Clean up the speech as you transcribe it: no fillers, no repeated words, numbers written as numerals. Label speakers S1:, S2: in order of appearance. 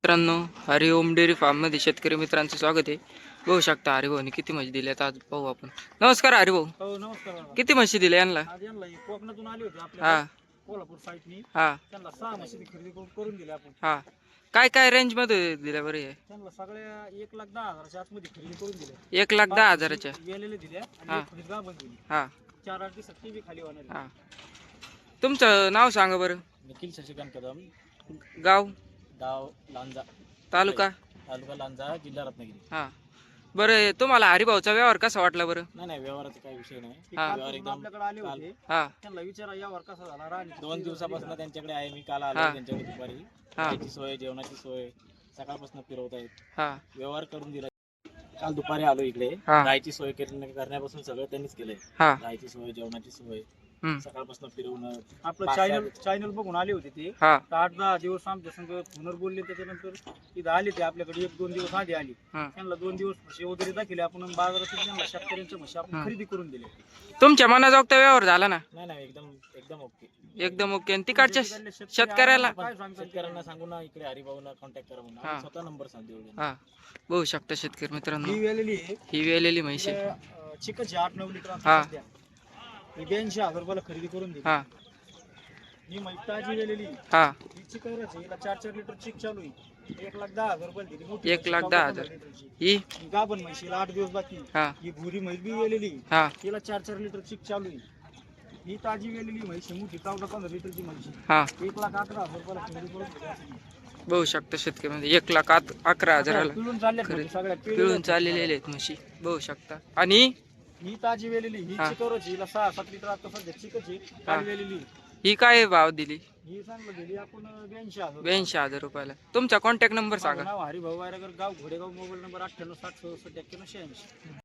S1: मित्रांनो, हरिओम dairy form मध्ये शेतकरी मित्रांचं स्वागत आहे. बघू शकता हरिभाऊनी किती म्हशी दिल्यात आज पाहू आपण. नमस्कार हरिभाऊ.
S2: हो नमस्कार दादा.
S1: किती म्हशी दिल्या यांना?
S2: आज यांना कोकणातून आली होती
S1: हा
S2: आपल्या कोल्हापूर साईडनी.
S1: हा
S2: त्यांना 6 म्हशी खरेदी करून दिल्या आपण.
S1: हा. काय काय रेंज मध्ये दिल्या बरं हे?
S2: त्यांना सगळ्या 1,10,000च्या आतमध्ये खरेदी करून दिल्या.
S1: 1,10,000च्या
S2: वेलेले दिल्या
S1: हा.
S2: आणि खरेदी गाभण दिली.
S1: हा
S2: 4-8 दिवसात ती बी खाली होणार आहे.
S1: हा. तुमचं नाव सांगा बरं.
S2: निखिल शशिकांत कदम,
S1: गाव,
S2: गाव लांजा,
S1: तालुका.
S2: तालुका लांजा, जिल्हा रत्नागिरी.
S1: हा बरं, तुम्हाला हरिभाऊचा व्यवहार कसा वाटला बरं?
S2: नाही व्यवहाराचा काही विषय नाही.
S1: हा.
S2: व्यवहार एकदम आपल्याकडे आले होते.
S1: हा
S2: त्यांना विचारा व्यवहार कसा झाला. राणी
S3: 2 दिवसापासून त्यांच्याकडे आहे. मी काल आलो
S1: हा.
S3: त्यांच्याकडे दुपारी.
S1: हा
S3: खायची सोय, जेवणाची सोय सकाळपासून फिरवत आहेत.
S1: हा
S3: व्यवहार करून दिला. काल दुपारी आलो इकडे.
S1: हा.
S3: राहायची सोय करण्यापासून सगळं त्यांनीच केलंय.
S1: हा
S3: राहायची सोय, जेवणाची सोय
S1: हम्म.
S3: सकाळपासून फिरवणं.
S2: आपलं चॅनल बघून आले होते ते.
S1: हा
S2: 8-10 दिवस आमच्या संग फोनवर बोलले. त्याच्यानंतर इथं आले ते आपल्याकडे 1-2 दिवस आधी आली.
S1: हा.
S2: त्यांना 2 दिवस म्हशी वगैरे दाखवले आपण आणि बाजारातून त्यांना शेतकऱ्यांच्या म्हशी आपण
S1: हा.
S2: खरेदी करून दिले.
S1: तुमच्या मनाजोगता व्यवहार झाला ना?
S3: नाही एकदम एकदम ओके.
S1: एकदम ओके. आणि तिकडच्या शेतकऱ्याला
S2: काय सांगतात
S3: शेतकऱ्यांना सांगू ना इकडे हरिभाऊला कॉन्टॅक्ट करा म्हणून.
S1: हा.
S3: आम्ही स्वतः नंबर सांगतो.
S1: हा बघू शकता शेतकरी मित्रांनो,
S2: ही वेलेली आहे.
S1: ही वेलेली म्हैस आहे.
S2: चिकनची 8-9 लिटर
S1: हा.
S2: आता सध्या. ही 82,000 रुपयाला खरेदी करून दिली.
S1: हा
S2: ही म्हैस ताजी वेलेली.
S1: हा
S2: ही चिकवरच आहे. हिला 4-4 लिटर चिक चालू आहे. 1,10,000 रुपयाला दिली. मोठी
S1: 1,10,000.
S2: लिटरची.
S1: ही
S2: ही गाभण म्हशीला 8 दिवस बाकी.
S1: हा
S2: ही भुरी म्हैस बी वेलेली.
S1: हा
S2: तिला 4-4 लिटर चिक चालू आहे. ही ताजी वेलेली म्हैस आहे. मोठी 14-15 लिटरची म्हैस आहे.
S1: हा
S2: 1,11,000 रुपयाला खरेदी करून दिली.
S1: बघू शकता शेतकरी म्हणजे 1,11,000
S2: पिळून चालल्या
S1: खरेदी.
S2: सगळ्या
S1: पिळून चाललेले आहेत म्हशी बघू शकता. आणि
S2: ही ताजी वेलेली. ही
S1: हा.
S2: चिकवरची. हिला 6-7 लिटर आता सध्या चिकची ताजी वेलेली.
S1: ही काय भाव दिली?
S2: ही चांगलं दिली आपण 82,000.
S1: 82,000 रुपयाला. तुमचा कॉन्टॅक्ट नंबर सांगा.
S2: नाव हरिभाऊ वायरगर, गाव घोडेगाव, मोबाईल नंबर 98 60 67 81 86.